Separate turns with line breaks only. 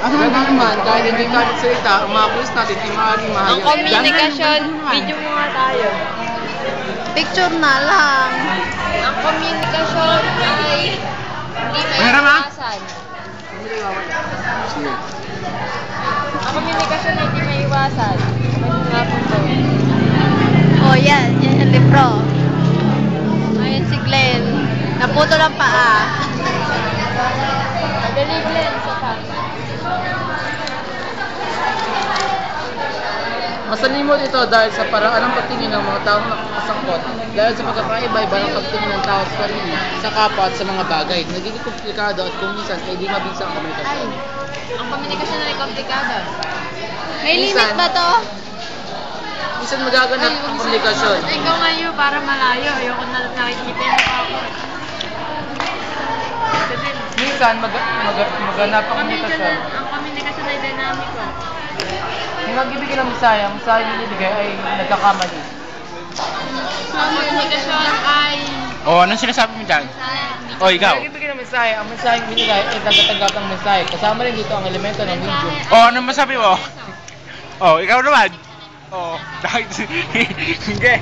Ganun naman, dahil hindi tayo magsalita, ang mga pulis natin ay maaaring mahayag.
Ang communication, video mo nga tayo.
Picture na lang.
Ang communication ay hindi maiwasan. Ang communication ay hindi maiwasan. Ano nga po to?
Oh, yan yung libro. Ayun si Glenn. Naputo ng paa.
Madali Glenn, sa pa.
Masalimot ito dahil sa paraan ng pagtingin ng mga taong nakakasangkot dahil sa pagkakaiba-iba ng pagtingin ng tao sa sarili, sa kapwa at sa mga bagay. Nagiging komplikado at kung minsan ay di mabisa ang komunikasyon.
Ang communication ay komplikado.
May limit ba to?
Minsan magaganap ang komunikasyon.
Ikaw ngayon para malayo. Ayoko na nakikita yung mukha ko.
Minsan maganap ang komunikasyon.
Ang communication ay dinamiko.
Yung magbibigay ng misaya, ang misaya binibigay ay nagkakamali.
Ang communication ay...
Anong sinasabi mo dyan? Ikaw.
Yung magbibigay ng misaya, ang misaya binibigay ay nagkatanggap ng misaya. Kasama rin dito ang elemento ng medium.
Anong masabi mo? Ikaw naman. Dahil... Hindi.